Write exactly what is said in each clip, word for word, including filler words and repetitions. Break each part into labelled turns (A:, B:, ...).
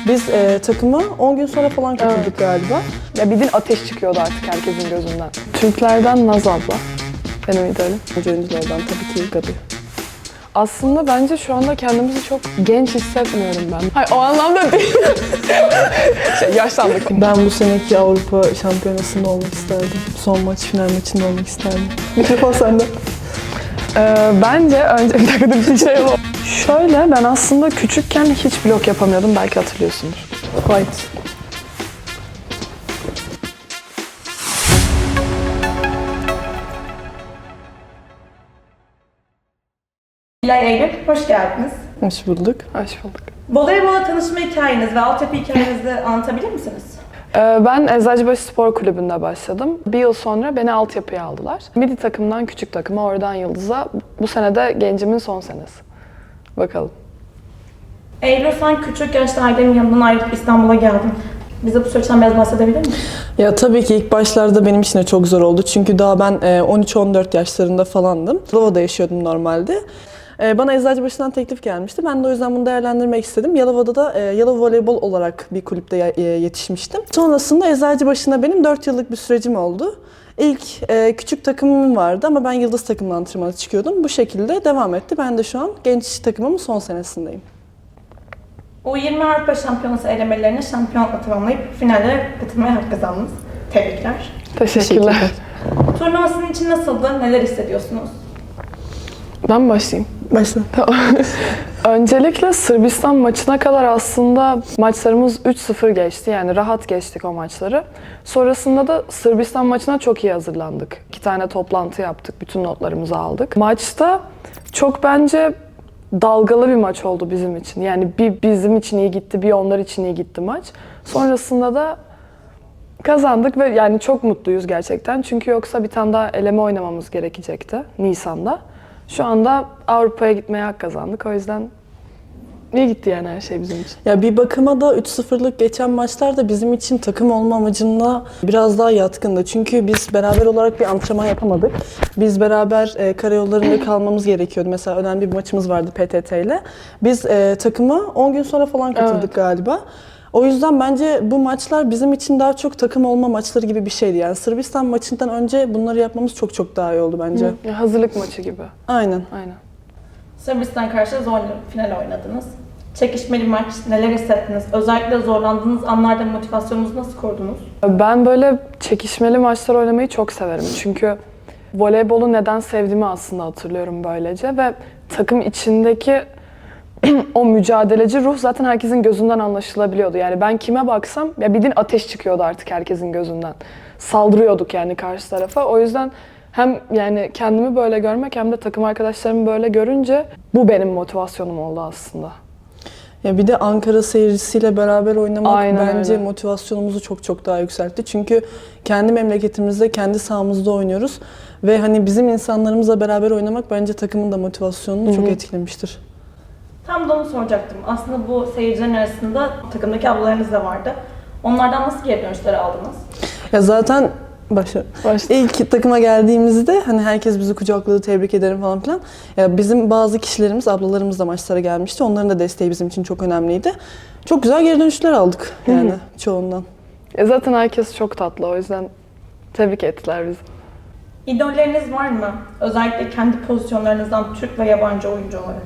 A: Biz e, takıma on gün sonra falan katıldık
B: Evet.
A: galiba.
B: Ya bildiğin ateş çıkıyordu artık herkesin gözünden. Türklerden Naz abla. Benim idealim.
A: Önce oyunculardan tabii ki Gabi.
B: Aslında bence şu anda kendimizi çok genç hissetmiyorum ben. Hayır o anlamda değil. şey, yaşlandık.
A: Ben bu seneki Avrupa Şampiyonası'nda olmak isterdim. Son maç, final maçında olmak isterdim. Mikrofon sende.
B: Ee, bence önce bir dakika dur, bir şey var. Şöyle ben aslında küçükken hiç blok yapamıyordum. Belki hatırlıyorsundur.
A: Fight.
C: Nilay Eylül, hoş geldiniz.
A: Hoş bulduk.
B: Hoş bulduk.
C: Voleybola tanışma hikayeniz ve altyapı hikayenizi anlatabilir misiniz?
B: Ee, ben Eczacıbaşı Spor Kulübü'nde başladım. Bir yıl sonra beni altyapıya aldılar. Midi takımdan küçük takıma, oradan yıldıza. Bu sene de gencimin son senesi. Bakalım.
C: Eylül, sen küçük yaşta ailenin yanından ayrılıp İstanbul'a geldin. Bize bu süreçten biraz bahsedebilir misin?
A: Ya tabii ki ilk başlarda benim için de çok zor oldu. Çünkü daha ben on üç on dört yaşlarında falandım. Yalova'da yaşıyordum normalde. Bana Eczacıbaşı'ndan teklif gelmişti. Ben de o yüzden bunu değerlendirmek istedim. Yalova'da da Yalova Voleybol olarak bir kulüpte yetişmiştim. Sonrasında Eczacıbaşı'na benim dört yıllık bir sürecim oldu. İlk e, küçük takımım vardı ama ben yıldız takımla antrenmana çıkıyordum. Bu şekilde devam etti. Ben de şu an genç takımımın son senesindeyim.
C: U yirmi Avrupa Şampiyonası elemelerine şampiyonlukla tamamlayıp finallere katılmaya hak kazandınız. Tebrikler.
B: Teşekkürler.
C: Turnuvasının için nasıldı? Neler hissediyorsunuz?
B: Ben mi başlayayım?
A: Başla.
B: Öncelikle Sırbistan maçına kadar aslında maçlarımız üç sıfır geçti. Yani rahat geçtik o maçları. Sonrasında da Sırbistan maçına çok iyi hazırlandık. İki tane toplantı yaptık, bütün notlarımızı aldık. Maçta çok bence dalgalı bir maç oldu bizim için. Yani bir bizim için iyi gitti, bir onlar için iyi gitti maç. Sonrasında da kazandık ve yani çok mutluyuz gerçekten. Çünkü yoksa bir tane daha eleme oynamamız gerekecekti Nisan'da. Şu anda Avrupa'ya gitmeye hak kazandık. O yüzden iyi gitti yani her şey bizim için.
A: Ya bir bakıma da üç sıfırlık geçen maçlar da bizim için takım olma amacına biraz daha yatkındı. Çünkü biz beraber olarak bir antrenman yapamadık. Biz beraber e, karayollarında kalmamız gerekiyordu. Mesela önemli bir maçımız vardı P T T ile. Biz e, takıma on gün sonra falan katıldık
B: Evet.
A: galiba. O yüzden bence bu maçlar bizim için daha çok takım olma maçları gibi bir şeydi. Yani Sırbistan maçından önce bunları yapmamız çok çok daha iyi oldu bence.
B: Ya hazırlık maçı gibi.
A: Aynen.
B: Aynen.
C: Sırbistan karşı zor final oynadınız. Çekişmeli maç, neler hissettiniz? Özellikle zorlandığınız anlarda motivasyonunuzu nasıl korudunuz?
B: Ben böyle çekişmeli maçlar oynamayı çok severim. Çünkü voleybolu neden sevdiğimi aslında hatırlıyorum böylece ve takım içindeki o mücadeleci ruh zaten herkesin gözünden anlaşılabiliyordu. Yani ben kime baksam ya bildiğin ateş çıkıyordu artık herkesin gözünden. Saldırıyorduk yani karşı tarafa. O yüzden hem yani kendimi böyle görmek hem de takım arkadaşlarımı böyle görünce bu benim motivasyonum oldu aslında.
A: Ya bir de Ankara seyircisiyle beraber oynamak
B: Aynen
A: bence
B: öyle.
A: motivasyonumuzu çok çok daha yükseltti. Çünkü kendi memleketimizde, kendi sahamızda oynuyoruz ve hani bizim insanlarımızla beraber oynamak bence takımın da motivasyonunu
B: Hı hı.
A: çok etkilemiştir.
C: Tam da onu soracaktım. Aslında bu seyircilerin arasında takımdaki ablalarınız da vardı. Onlardan nasıl geri dönüşler aldınız?
A: Ya zaten başla.
B: Başta.
A: İlk takıma geldiğimizde hani herkes bizi kucakladı, tebrik ederim falan filan. Ya bizim bazı kişilerimiz, ablalarımız da maçlara gelmişti. Onların da desteği bizim için çok önemliydi. Çok güzel geri dönüşler aldık yani çoğundan.
B: E zaten herkes çok tatlı, o yüzden tebrik ettiler bizi.
C: İdolleriniz var mı? Özellikle kendi pozisyonlarınızdan Türk ve yabancı oyuncu olarak.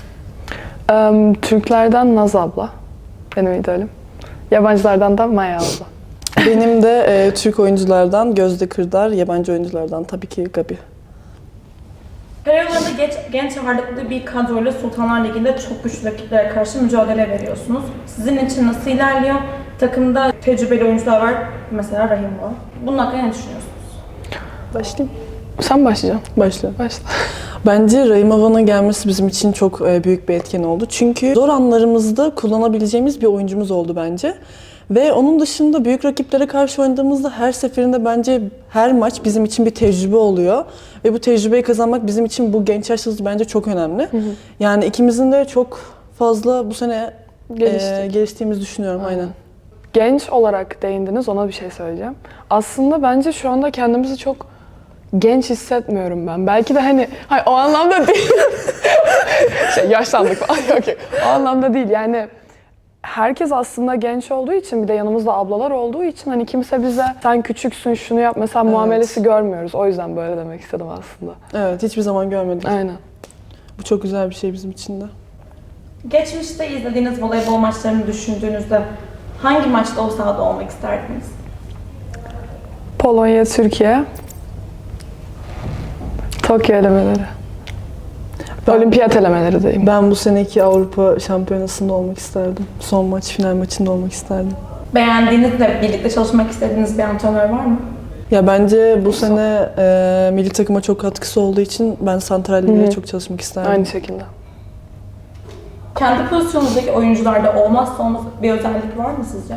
B: Ee, Türklerden Naz abla, benim idolüm. Yabancılardan da Maya abla.
A: Benim de e, Türk oyunculardan Gözde Kırdar, yabancı oyunculardan tabii ki Gabi.
C: Karayollarında genç, genç ağırlıklı bir kadroyla Sultanlar Ligi'nde çok güçlü rakiplere karşı mücadele veriyorsunuz. Sizin için nasıl ilerliyor? Takımda tecrübeli oyuncular var. Mesela Rahim var. Bunun hakkında ne düşünüyorsunuz?
A: Başlayayım.
B: Sen başlayacaksın.
A: Başla.
B: Başla.
A: Bence Rahim Avan'ın gelmesi bizim için çok e, büyük bir etken oldu. Çünkü zor anlarımızda kullanabileceğimiz bir oyuncumuz oldu bence. Ve onun dışında büyük rakiplere karşı oynadığımızda her seferinde bence her maç bizim için bir tecrübe oluyor. Ve bu tecrübeyi kazanmak bizim için bu genç yaşta bence çok önemli. Hı hı. Yani ikimizin de çok fazla bu sene e, geliştiğimizi düşünüyorum. Aynen. aynen.
B: Genç olarak değindiniz, ona bir şey söyleyeceğim. Aslında bence şu anda kendimizi çok genç hissetmiyorum ben. Belki de hani, hayır o anlamda değil. şey, yaşlandık falan. Yok yok. O anlamda değil yani. herkes aslında genç olduğu için, bir de yanımızda ablalar olduğu için hani kimse bize sen küçüksün şunu yap mesela
A: Evet.
B: muamelesi görmüyoruz. O yüzden böyle demek istedim aslında.
A: Evet, hiçbir zaman görmedik.
B: Aynen.
A: Bu çok güzel bir şey bizim için de.
C: Geçmişte izlediğiniz voleybol maçlarını düşündüğünüzde hangi maçta o sahada olmak isterdiniz?
B: Polonya, Türkiye. Tokyo elemeleri.
A: Ben-
B: Olimpiyat elemeleri diyeyim.
A: Ben bu seneki Avrupa Şampiyonası'nda olmak isterdim. Son maç, final maçında olmak isterdim.
C: Beğendiğiniz ve birlikte çalışmak istediğiniz bir antrenör var mı?
A: Ya bence bu sene e, milli takıma çok katkısı olduğu için ben Santral
B: Hı
A: ile
B: hı.
A: çok çalışmak isterdim.
B: Aynı şekilde.
C: Kendi pozisyonunuzdaki oyuncularda olmazsa olmaz bir özellik var mı sizce?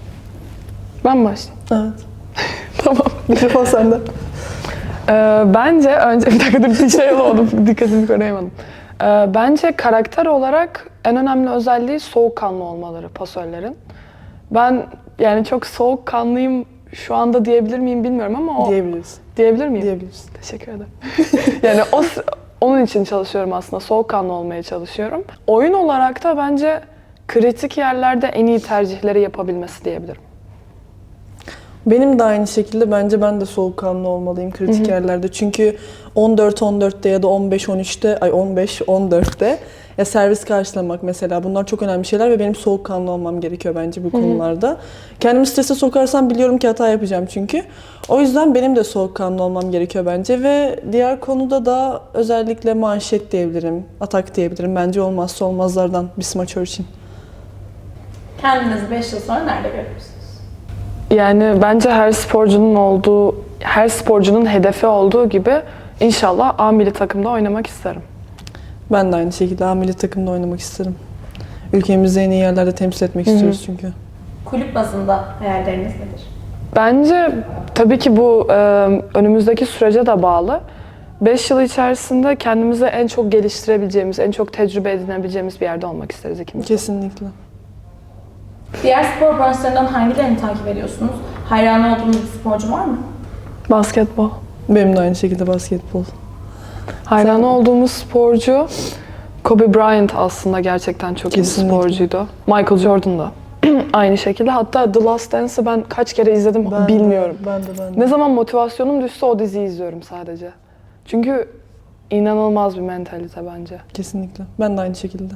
B: Ben başlayayım.
A: Evet.
B: Tamam.
A: Mikrofon sende.
B: Ee, bence önce bir dakika dur bir şey olamadım, dikkatimi koruyamadım. Ee, bence karakter olarak en önemli özelliği soğukkanlı olmaları pasörlerin. Ben yani çok soğukkanlıyım şu anda diyebilir miyim bilmiyorum ama o
A: Diyebiliriz.
B: diyebilir miyim?
A: Diyebiliriz.
B: Teşekkür ederim. yani o onun için çalışıyorum aslında. Soğukkanlı olmaya çalışıyorum. Oyun olarak da bence kritik yerlerde en iyi tercihleri yapabilmesi diyebilirim.
A: Benim de aynı şekilde bence ben de soğukkanlı olmalıyım kritik yerlerde. Çünkü on dört on dörtte ya da on beş on üçte, ay on beş on dörtte ya servis karşılamak mesela bunlar çok önemli şeyler ve benim soğukkanlı olmam gerekiyor bence bu konularda. Kendimi strese sokarsam biliyorum ki hata yapacağım çünkü. O yüzden benim de soğukkanlı olmam gerekiyor bence ve diğer konuda da özellikle manşet diyebilirim, atak diyebilirim. Bence olmazsa olmazlardan bir smaçör için.
C: Kendinizi beş yıl sonra nerede görüyorsunuz?
B: Yani bence her sporcunun olduğu, her sporcunun hedefi olduğu gibi inşallah A milli takımda oynamak isterim.
A: Ben de aynı şekilde A milli takımda oynamak isterim. Ülkemizi en iyi yerlerde temsil etmek istiyoruz çünkü.
C: Kulüp bazında hayalleriniz nedir?
B: Bence tabii ki bu e, önümüzdeki sürece de bağlı. beş yıl içerisinde kendimizi en çok geliştirebileceğimiz, en çok tecrübe edinebileceğimiz bir yerde olmak isteriz ikimiz.
A: Kesinlikle.
C: Diğer spor branşlarından hangilerini takip ediyorsunuz? Hayran olduğunuz bir sporcu var mı?
B: Basketbol.
A: Benim de aynı şekilde basketbol.
B: Hayran
A: Sen-
B: olduğumuz sporcu Kobe Bryant aslında gerçekten çok iyi bir
A: Kesinlikle.
B: sporcuydu. Michael Jordan da aynı şekilde. Hatta The Last Dance'ı ben kaç kere izledim
A: Ben
B: bilmiyorum.
A: De, ben de ben de.
B: Ne zaman motivasyonum düşse o diziyi izliyorum sadece. Çünkü inanılmaz bir mentalite bence.
A: Kesinlikle. Ben de aynı şekilde.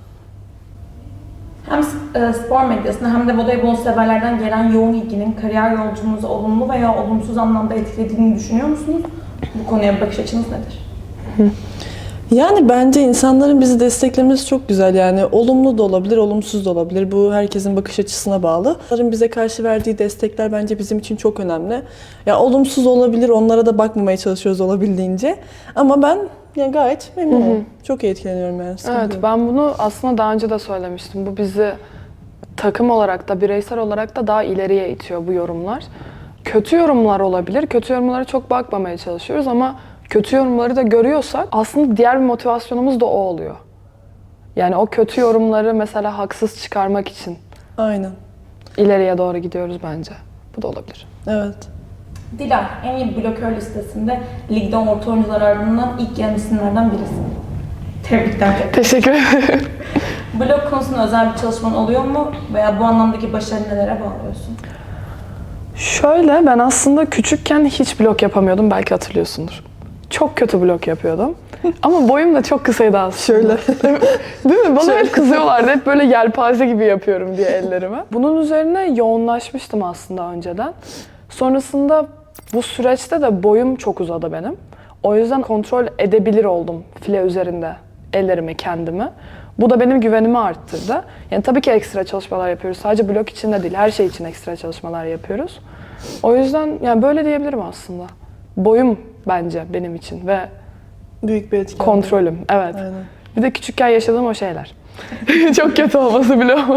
C: Hem e, spor medyasında hem de voleybol severlerden gelen yoğun ilginin kariyer yolculuğunuzu olumlu veya olumsuz anlamda etkilediğini düşünüyor musunuz? Bu konuya bakış açınız nedir?
A: Yani bence insanların bizi desteklemesi çok güzel. Yani olumlu da olabilir, olumsuz da olabilir. Bu herkesin bakış açısına bağlı. Onların bize karşı verdiği destekler bence bizim için çok önemli. Ya olumsuz olabilir, onlara da bakmamaya çalışıyoruz olabildiğince. Ama ben yani gayet memnunum. Çok iyi etkileniyorum yani. sıkıntı
B: Evet,
A: yok.
B: ben bunu aslında daha önce de söylemiştim. Bu bizi takım olarak da bireysel olarak da daha ileriye itiyor bu yorumlar. Kötü yorumlar olabilir. Kötü yorumlara çok bakmamaya çalışıyoruz ama kötü yorumları da görüyorsak aslında diğer bir motivasyonumuz da o oluyor. Yani o kötü yorumları mesela haksız çıkarmak için
A: Aynen.
B: ileriye doğru gidiyoruz bence. Bu da olabilir.
A: Evet.
C: Dilar, en iyi blokör listesinde ligde orta oyuncular ardından ilk gelen isimlerden birisi. Tebrikler.
B: Teşekkür ederim.
C: Blok konusunda özel bir çalışman oluyor mu? Veya bu anlamdaki başarı nelere bağlıyorsun?
B: Şöyle, ben aslında küçükken hiç blok yapamıyordum. Belki hatırlıyorsundur. Çok kötü blok yapıyordum. Ama boyum da çok kısaydı aslında.
A: Şöyle.
B: Değil mi? Bana
A: Şöyle.
B: hep kızıyorlardı. Hep böyle yelpaze gibi yapıyorum diye ellerime. Bunun üzerine yoğunlaşmıştım aslında önceden. Sonrasında bu süreçte de boyum çok uzadı benim. O yüzden kontrol edebilir oldum file üzerinde ellerimi, kendimi. Bu da benim güvenimi arttırdı. Yani tabii ki ekstra çalışmalar yapıyoruz. Sadece blok için de değil, her şey için ekstra çalışmalar yapıyoruz. O yüzden yani böyle diyebilirim aslında. Boyum bence benim için ve
A: Büyük bir etki.
B: kontrolüm. Evet.
A: Aynen.
B: Bir de küçükken yaşadığım o şeyler. Çok kötü olması bile ama.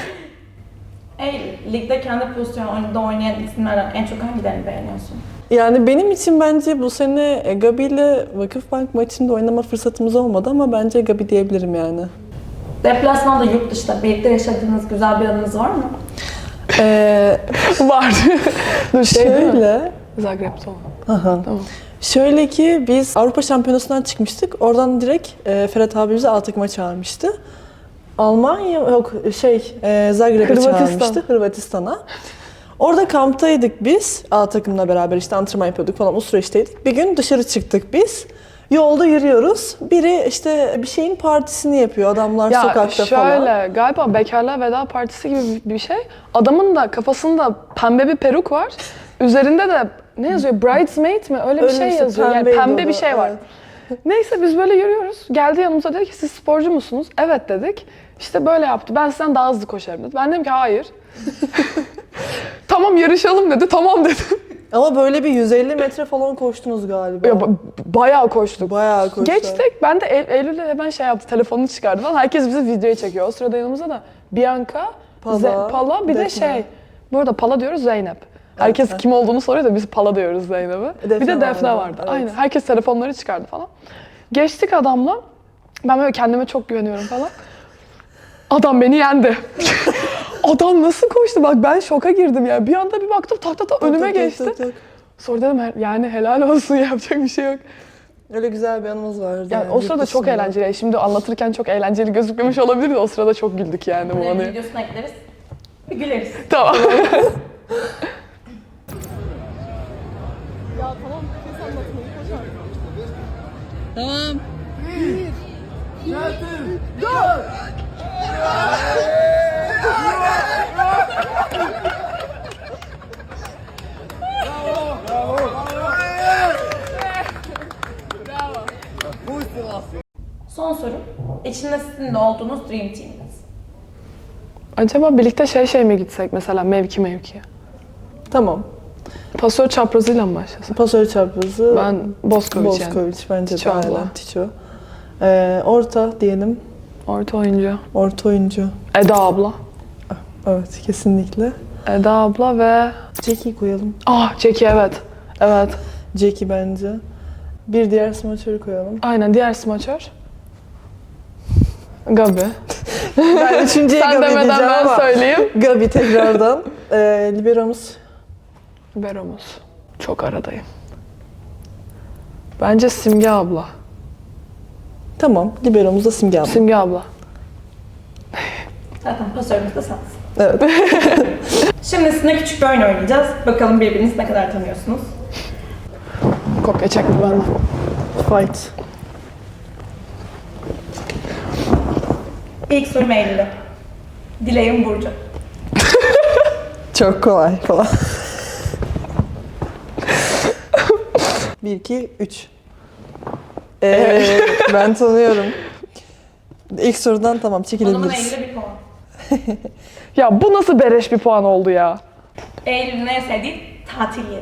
C: Ey, ligde kendi pozisyonunda oynayan isimlerden en çok hangilerini beğeniyorsun?
A: Yani benim için bence bu sene e, Gabi ile Vakıfbank maçında oynama fırsatımız olmadı ama bence Gabi diyebilirim yani.
C: Deplasmanda yurt dışında birlikte yaşadığınız güzel bir anınız var mı?
A: Ee,
B: Var. Dur şey değil mi?
A: şöyle,
B: Zagreb'de olan.
A: aha.
B: Tamam.
A: Şöyle ki biz Avrupa Şampiyonası'ndan çıkmıştık. Oradan direkt e, Ferhat abi bizi A takıma çağırmıştı. Almanya yok şey e, Zagreb'e
B: Hırvatistan.
A: çağırmıştı Hırvatistan'a. Orada kamptaydık biz. A takımla beraber işte antrenman yapıyorduk falan o süreçteydik. Bir gün dışarı çıktık biz. Yolda yürüyoruz. Biri işte bir şeyin partisini yapıyor adamlar
B: Ya
A: sokakta
B: şöyle,
A: falan.
B: galiba bekarlığa veda partisi gibi bir şey. Adamın da kafasında pembe bir peruk var. Üzerinde de ne yazıyor? Bridesmaid mi? Öyle bir
A: Öyle
B: şey
A: işte,
B: yazıyor. Yani
A: pembeydi
B: pembe
A: o
B: bir
A: da,
B: şey var.
A: evet.
B: Neyse biz böyle yürüyoruz. Geldi yanımıza dedi ki siz sporcu musunuz? Evet dedik. İşte böyle yaptı. Ben sizden daha hızlı koşarım dedi. Ben dedim ki hayır. Tamam yarışalım dedi. Tamam dedim.
A: Ama böyle bir yüz elli metre falan koştunuz galiba.
B: Ya, ba- bayağı koştuk.
A: Bayağı koştu.
B: Geçtik. Ben de Eylül Eylül'le hemen şey yaptı. Telefonunu çıkardı falan. Herkes bizi videoya çekiyor. O sırada yanımızda da Bianca,
A: Pala,
B: Ze- Pala bir de
A: Defne.
B: şey. Bu arada Pala diyoruz Zeynep. Herkes
A: evet.
B: kim olduğunu soruyor da biz Pala diyoruz Zeynep'e.
A: Defne
B: Bir de Defne
A: vardı,
B: vardı.
A: evet.
B: Aynen. Herkes telefonları çıkardı falan. Geçtik adamla. Ben böyle kendime çok güveniyorum falan. Adam beni yendi. Adam nasıl koştu? Bak ben şoka girdim ya. Bir anda bir baktım tak tak tak önüme
A: Tak, tak,
B: geçti.
A: tak, tak.
B: Sonra dedim "He- yani helal olsun yapacak bir şey yok.
A: Öyle güzel bir anımız vardı.
B: Yani o sırada
A: yurt
B: çok
A: dışında.
B: eğlenceli. Şimdi anlatırken çok eğlenceli gözükmemiş olabilir de o sırada çok güldük yani bu
C: Bunların
B: anıya.
C: videosunu ekleriz. Bir güleriz.
B: Tamam.
C: Son sorum. İçinde sizin de olduğunuz Dream Team'iniz.
B: Acaba birlikte şey şey mi gitsek mesela mevki mevki?
A: Tamam.
B: Pasör çaprazıyla mı başlasak?
A: Pasör çaprazı.
B: Ben Boskovic yani.
A: Boskovic bence
B: Tiço
A: de
B: abla.
A: aynen. Tiço. Ee, orta diyelim.
B: Orta oyuncu.
A: Orta oyuncu.
B: Eda abla.
A: Evet kesinlikle.
B: Eda abla ve...
A: Jackie koyalım.
B: Ah Jackie evet. Evet.
A: Jackie bence. Bir diğer smaçörü koyalım.
B: Aynen diğer smaçör. Gabi.
A: Ben üçüncüye
B: Sen
A: Gabi
B: demeden
A: diyeceğim
B: ben
A: ama.
B: söyleyeyim.
A: Gabi tekrardan. Ee, liberomuz.
B: Beromuz. Çok aradayım. Bence Simge abla.
A: Tamam. Liberomuz da Simge abla.
B: Simge abla.
C: Zaten pasörümüz de sensin.
A: Evet.
C: Şimdi sizinle küçük bir oyun oynayacağız. Bakalım birbirinizi ne kadar tanıyorsunuz.
B: Kopya çekti benden.
A: Fight.
C: İlk sorum Eylül'e. Dileğim Burcu.
A: Çok kolay falan. Bir, iki, üç. Ee, ben tanıyorum. İlk sorudan tamam
C: O zaman
A: çekilebiliriz.
C: Eylül'e bir puan.
B: Ya bu nasıl beleş bir puan oldu ya?
C: Eylül'ün en sevdiği tatil yeri.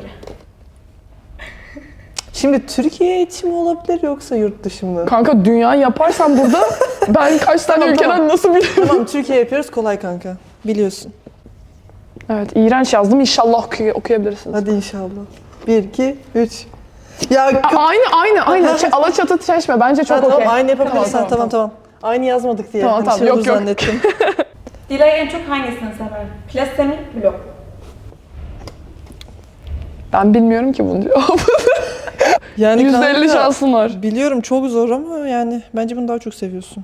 A: Şimdi Türkiye için mi olabilir yoksa yurt dışı mı?
B: Kanka dünya yaparsan burada ben kaç tane
A: Tamam,
B: ülkeden
A: tamam.
B: nasıl bilirim?
A: Tamam Türkiye yapıyoruz kolay kanka. Biliyorsun.
B: Evet iğrenç yazdım inşallah okuy- okuyabilirsiniz.
A: Hadi inşallah. Bir, iki, üç. Ya
B: A-
A: kı-
B: aynı aynı aynı. Ç- Alaçatı Çeşme bence çok
A: Ha, tamam
B: okey.
A: aynı yapabilirsen
B: Tamam,
A: tamam
B: tamam,
A: tamam, Aynı yazmadık diye.
B: Tamam,
A: Hani
B: tamam.
A: şey
B: Yok,
A: olur
B: yok.
A: zannettim.
C: Dilay en çok hangisini sever? Plase mi, blok mu?
B: Ben bilmiyorum ki bunu cevabı.
A: Yani
B: yüzde elli
A: kanka,
B: şansın var.
A: Biliyorum çok zor ama yani bence bunu daha çok seviyorsun.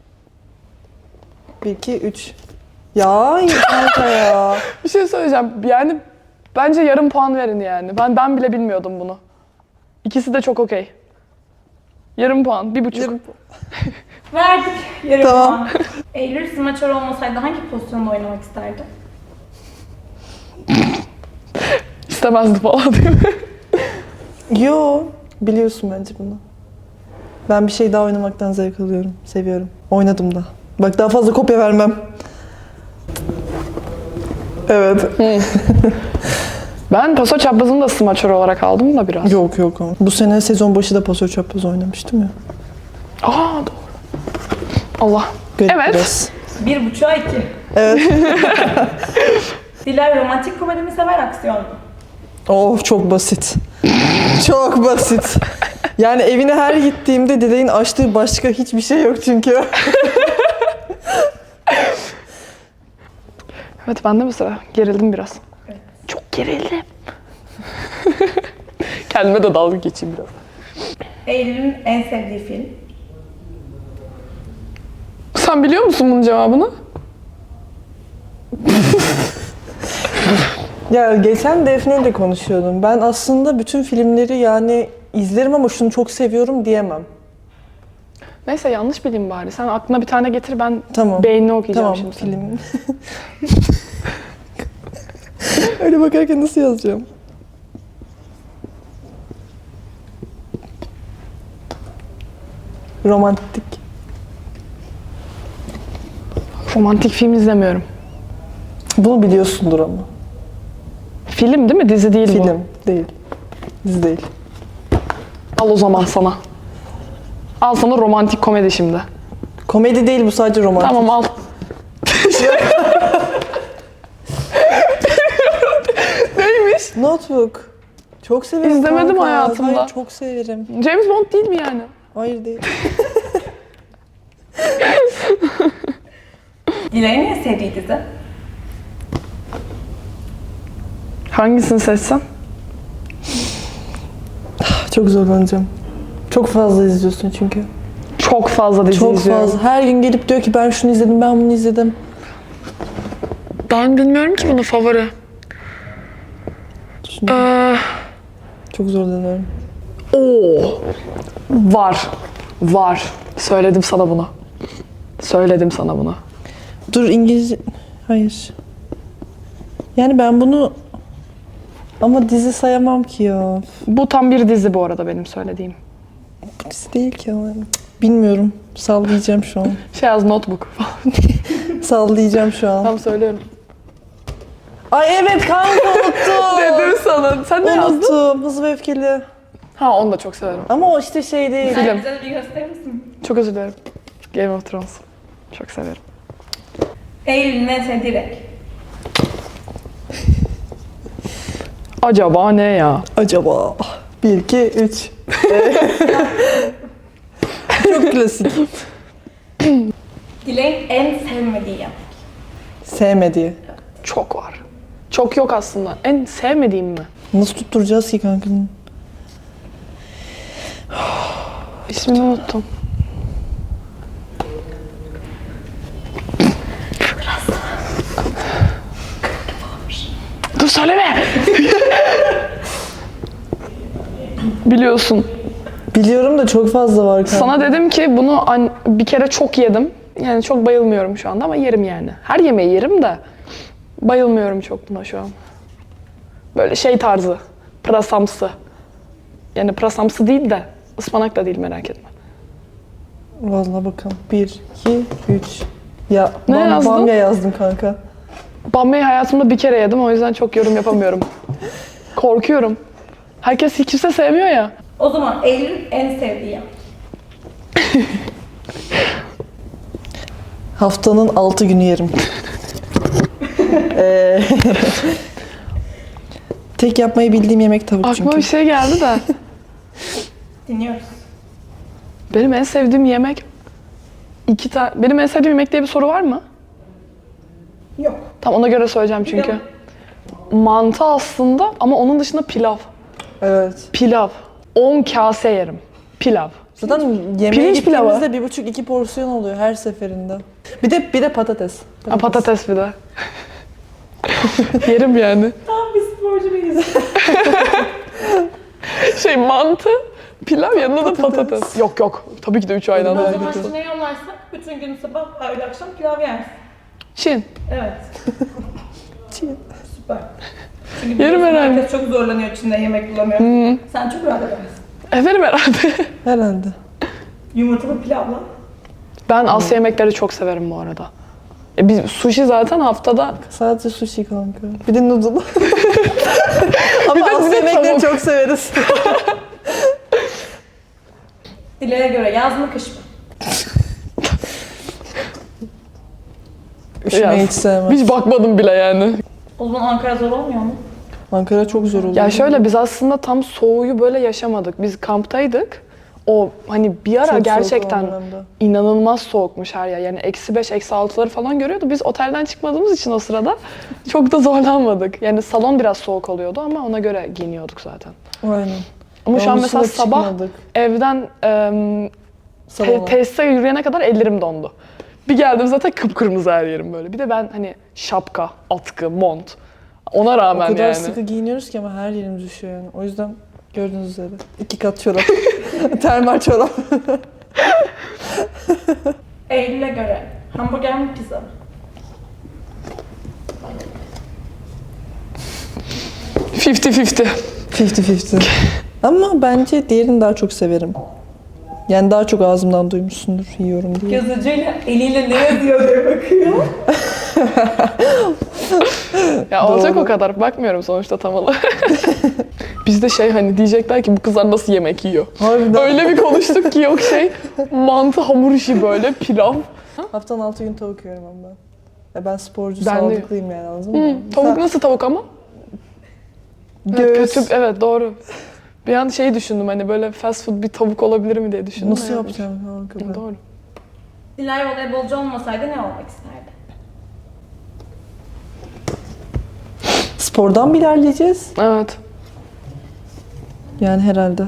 A: Bir, iki, üç. Ya kanka ya.
B: Bir şey söyleyeceğim. Yani bence yarım puan verin yani. Ben ben bile bilmiyordum bunu. İkisi de çok okey. Yarım puan, bir buçuk.
A: Yarım-
C: Verdik. Yarım
A: Tamam.
C: puan. Eylül smaçör olmasaydı hangi pozisyonda oynamak isterdi?
B: İstemezdi falan değil mi?
A: Yo, biliyorsun bence bunu. Ben bir şey daha oynamaktan zevk alıyorum, seviyorum. Oynadım da. Bak daha fazla kopya vermem. Evet.
B: Ben paso çaprazını da smaçör olarak aldım da biraz.
A: Yok yok. Bu sene sezon başı da pasör çapraz oynamıştım ya.
B: Aa doğru. Allah.
A: Garip
B: Evet.
A: biraz.
C: Bir buçuğa iki.
A: Evet.
C: Dilay romantik komedi mi sever, aksiyon mu?
A: Oh çok basit. Çok basit. Yani evine her gittiğimde dedeğin açtığı başka hiçbir şey yok çünkü.
B: Evet bende mi sıra? Gerildim biraz. Çok gerildim. Kendime de dalga geçeyim biraz.
C: Eylül'ün en sevdiği film.
B: Sen biliyor musun bunun cevabını?
A: Ya geçen Defne ile konuşuyordum. Ben aslında bütün filmleri yani izlerim ama şunu çok seviyorum diyemem.
B: Neyse yanlış bileyim bari. Sen aklına bir tane getir, ben
A: Tamam.
B: beynini okuyacağım
A: Tamam,
B: şimdi. senin.
A: film. Öyle bakarken nasıl yazacağım? Romantik.
B: Romantik film izlemiyorum.
A: Bunu biliyorsundur ama.
B: Film değil mi? Dizi değil bu.
A: Film değil. Dizi değil.
B: Al o zaman sana. Al sana romantik komedi şimdi.
A: Komedi değil bu, sadece romantik.
B: Tamam al. Neymiş?
A: Notebook. Çok severim
B: İzlemedim
A: kanka.
B: hayatımda.
A: Hayır, çok severim.
B: James Bond değil mi yani?
A: Hayır değil.
C: Dilay'ın en sevdiği dizi?
B: Hangisini seçsem?
A: Çok zorlanacağım. Çok fazla izliyorsun çünkü.
B: Çok fazla dizi
A: Çok
B: izliyorum.
A: fazla. Her gün gelip diyor ki ben şunu izledim, ben bunu izledim.
B: Ben bilmiyorum ki bunu favori.
A: Şimdi
B: Ee,
A: çok zorlanıyorum.
B: Oo. Var. Var. Söyledim sana bunu. Söyledim sana bunu.
A: Dur, İngilizce... Hayır. Yani ben bunu... Ama dizi sayamam ki ya.
B: Bu tam bir dizi bu arada benim söylediğim.
A: Bu dizi değil ki ama. Bilmiyorum. Sallayacağım şu an.
B: Şey yaz Notebook falan.
A: Sallayacağım şu an.
B: Tam söylüyorum.
A: Ay evet kanka, unuttum.
B: Dedim sana. Sen ne yazdın?
A: Unuttum. Hızlı ve Öfkeli.
B: Ha onu da çok severim.
A: Ama o işte şey değil.
B: Film.
C: Sen bize de bir gösterir misin?
B: Çok özür dilerim. Game of Thrones. Çok severim.
C: Eylül'ün en sevdiği renk.
B: Acaba ne ya?
A: Acaba. Bir, iki, üç. Çok klasik.
C: Dilay'ın en sevmediği yemek.
A: Sevmediği.
B: Çok var. Çok yok aslında. En sevmediğim mi?
A: Nasıl tutturacağız ki kanka?
B: İsmini unuttum. Dur söyleme. Biliyorsun.
A: Biliyorum da çok fazla var kanka.
B: Sana dedim ki bunu an- bir kere çok yedim. Yani çok bayılmıyorum şu anda ama yerim yani. Her yemeği yerim de bayılmıyorum çok buna şu an. Böyle şey tarzı. Pırasamsı. Yani pırasamsı değil de ıspanak da değil, merak etme.
A: Vallahi bakalım. Bir, iki, üç. Ya
B: Ne
A: bam,
B: yazdın?
A: bamya yazdım kanka.
B: Bamya'yı hayatımda bir kere yedim, o yüzden çok yorum yapamıyorum. Korkuyorum. Herkes kimse sevmiyor ya.
C: O zaman Eylül'ün en sevdiği yemek.
A: Haftanın altı günü yerim. Ee, Tek yapmayı bildiğim yemek tavuk
B: Aklıma
A: çünkü.
B: bir şey geldi de.
C: Dinliyoruz.
B: Benim en sevdiğim yemek iki tane. Benim en sevdiğim yemek diye bir soru var mı?
C: Yok.
B: Tam ona göre söyleyeceğim çünkü. Mantı aslında ama onun dışında pilav.
A: Evet.
B: Pilav. on kase yerim. Pilav.
A: Zaten yemeğe
B: Pirinç pilavı.
A: gittiğimizde bir buçuk iki porsiyon oluyor her seferinde. Bir de bir de patates.
B: Ha, patates bir de. Yerim yani.
C: Tam bir sporcu muyuz?
B: Şey mantı, pilav yanında da
A: Patates.
B: patates. Yok yok. Tabii ki de üç aynı
C: O
B: anda.
C: zaman Çin'e yollarsak bütün gün sabah, öğle akşam pilav yersin.
B: Çin.
C: Evet.
A: Çin.
C: Süper. Çünkü
B: Yerim
C: biliyorsun
B: herhalde.
C: herkes çok zorlanıyor Çin'de yemek bulamıyor. Sen çok rahat edersin.
B: Ederim herhalde.
A: Herhalde.
C: Yumurtalı pilavla.
B: Ben Asya yemekleri çok severim bu arada. E biz sushi zaten haftada.
A: Sadece sushi kanka. Bir de noodle. Ama
B: Bir de-
A: Asya
B: bir de
A: yemekleri
B: tavuk.
A: çok severiz.
C: Dileğe göre yaz mı kış mı?
A: Üşümeyi
B: Yaz.
A: hiç sevmem.
B: Hiç bakmadım bile yani.
C: O zaman Ankara zor olmuyor mu?
A: Ankara çok zor oluyor.
B: Ya şöyle, biz aslında tam soğuğu böyle yaşamadık. Biz kamptaydık. O hani bir ara
A: Çok soğuk
B: gerçekten
A: o dönemde.
B: inanılmaz soğukmuş her yer. Yani eksi beş, eksi altıları falan görüyordu. Biz otelden çıkmadığımız için o sırada çok da zorlanmadık. Yani salon biraz soğuk oluyordu ama ona göre giyiniyorduk zaten.
A: Aynen.
B: Ama şu an
A: Onun
B: mesela
A: dışında
B: sabah
A: çıkmadık
B: evden em, te-
A: salona.
B: tesise yürüyene kadar ellerim dondu. Bir geldim zaten kıpkırmızı her yerim böyle. Bir de ben hani şapka, atkı, mont. Ona
A: O
B: rağmen
A: kadar
B: yani.
A: sıkı giyiniyoruz ki ama her yerimiz düşüyor yani. O yüzden gördüğünüz üzere. iki kat çorap. Termal çorap.
C: Eylül'e göre hamburger mi pizza mı?
B: elli elli.
A: elli elli. Ama bence diğerini daha çok severim. Yani daha çok ağzımdan duymuşsundur yiyorum diye.
C: Yazıcıyla eliyle ne yazıyor diye bakıyor.
B: Ya olacak
A: Doğru.
B: o kadar. Bakmıyorum sonuçta tam olarak. Bizde şey hani diyecekler ki bu kızlar nasıl yemek yiyor.
A: Harbiden.
B: Öyle bir konuştuk ki yok şey mantı hamur işi böyle pilav.
A: Haftanın altı gün tavuk yiyorum ama ben. Ya ben sporcu,
B: Ben de
A: sağlıklıyım yani, anladın
B: Hı,
A: mı?
B: tavuk
A: Sen-
B: nasıl tavuk ama? Evet,
A: Göğüs.
B: kötü, evet doğru. Bir an şey düşündüm hani böyle fast food bir tavuk olabilir mi diye düşündüm.
A: Nasıl
B: Evet.
A: yapacağım? Ha,
B: Hı,
A: kadar.
B: doğru.
C: Dilay voleybolcu olmasaydı ne olmak isterdi?
A: Spordan mı ilerleyeceğiz?
B: Evet.
A: Yani herhalde.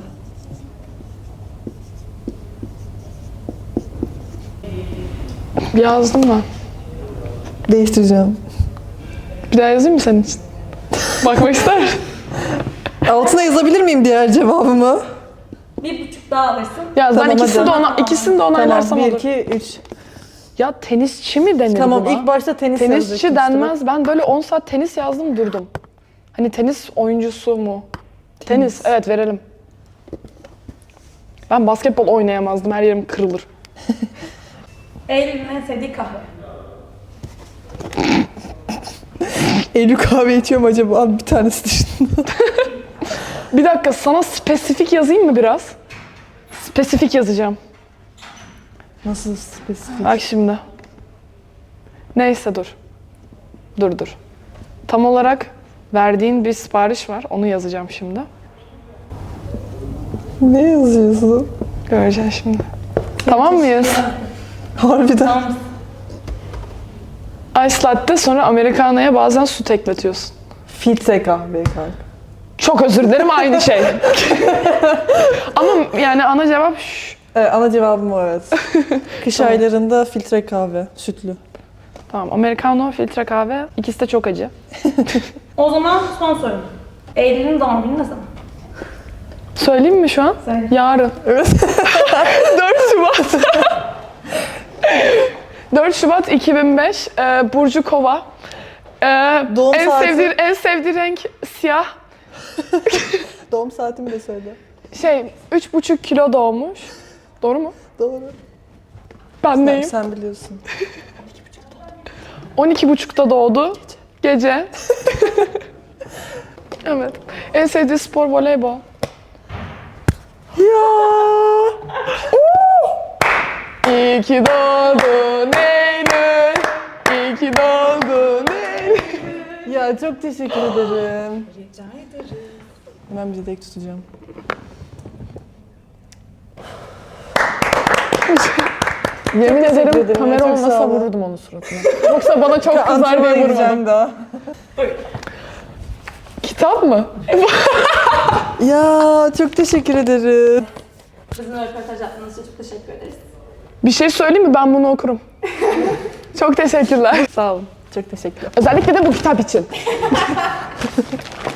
B: Yazdım ben.
A: Değiştireceğim.
B: Bir daha yazayım mı senin için? Bakmak ister misin?
A: Altına yazabilir miyim diğer cevabımı?
C: Bir buçuk daha alırsın.
B: Yaz ben
A: Tamam,
B: ikisini de,
A: hadi.
B: ona, ikisini de onaylarsam
A: Tamam, bir,
B: olur.
A: iki, üç.
B: Ya tenisçi mi denir
A: Tamam,
B: buna?
A: ilk başta tenis
B: Tenisçi
A: yazacaktım işte.
B: denmez. Ben böyle on saat tenis yazdım durdum. Hani tenis oyuncusu mu? Tenis, evet verelim. Ben basketbol oynayamazdım. Her yerim kırılır.
C: Eylül'ün en sevdiği kahve.
A: Eylül kahve içiyorum acaba? Abi bir tanesi dışında.
B: Bir dakika sana spesifik yazayım mı biraz? Spesifik yazacağım.
A: Nasıl spesifik?
B: Bak şimdi. Neyse dur. Dur dur. Tam olarak verdiğin bir sipariş var. Onu yazacağım şimdi.
A: Ne yazıyorsun?
B: Göreceksin şimdi. Tamam mıyız?
A: Harbiden.
C: Tamam mısın?
B: Ice latte sonra americano'ya bazen süt ekletiyorsun.
A: Filtre kahve kanka.
B: Çok özür dilerim aynı şey. Ama yani ana cevap şş.
A: Evet, ana cevabım o, evet. Kış
B: Tamam.
A: aylarında filtre kahve, sütlü.
B: Tamam americano, filtre kahve. İkisi de çok acı.
C: O zaman son sorum. Eylül'ün doğum günü ne zaman?
B: Söyleyeyim mi şu an?
C: Söyle.
B: Yarın.
A: Evet.
B: dört Şubat. dört Şubat iki bin beş. Ee, Burcu Kova. Ee,
A: Doğum
B: en
A: saati?
B: sevdiği en sevdiği renk siyah.
A: Doğum saatimi de söyle.
B: Şey, üç buçuk kilo doğmuş. Doğru mu?
A: Doğru.
B: Ben
A: Sen,
B: neyim?
A: sen biliyorsun.
B: on iki buçukta doğdu. Gece. Evet. En sevdiği spor voleybol.
A: Ya.
B: İyi ki doğdun Eylül. İyi ki doğdun Eylül.
A: Ya çok teşekkür ederim. Rica ederim. Ben bir dilek tutacağım.
B: Yemin
A: teşekkür
B: ederim
A: ederim.
B: kamera
A: Çok
B: olmasa
A: sağ olun.
B: vururdum onun suratına. Yoksa bana çok kızar
A: Antrenmana
B: diye vurmadım.
A: gideceğim daha.
B: Kitap mı?
A: Ya çok teşekkür ederim.
C: Bizimle röportaj yaptığınız için çok teşekkür ederiz.
B: Bir şey söyleyeyim mi? Ben bunu okurum. Çok teşekkürler. Sağ olun.
A: Çok teşekkürler.
B: Özellikle de bu kitap için.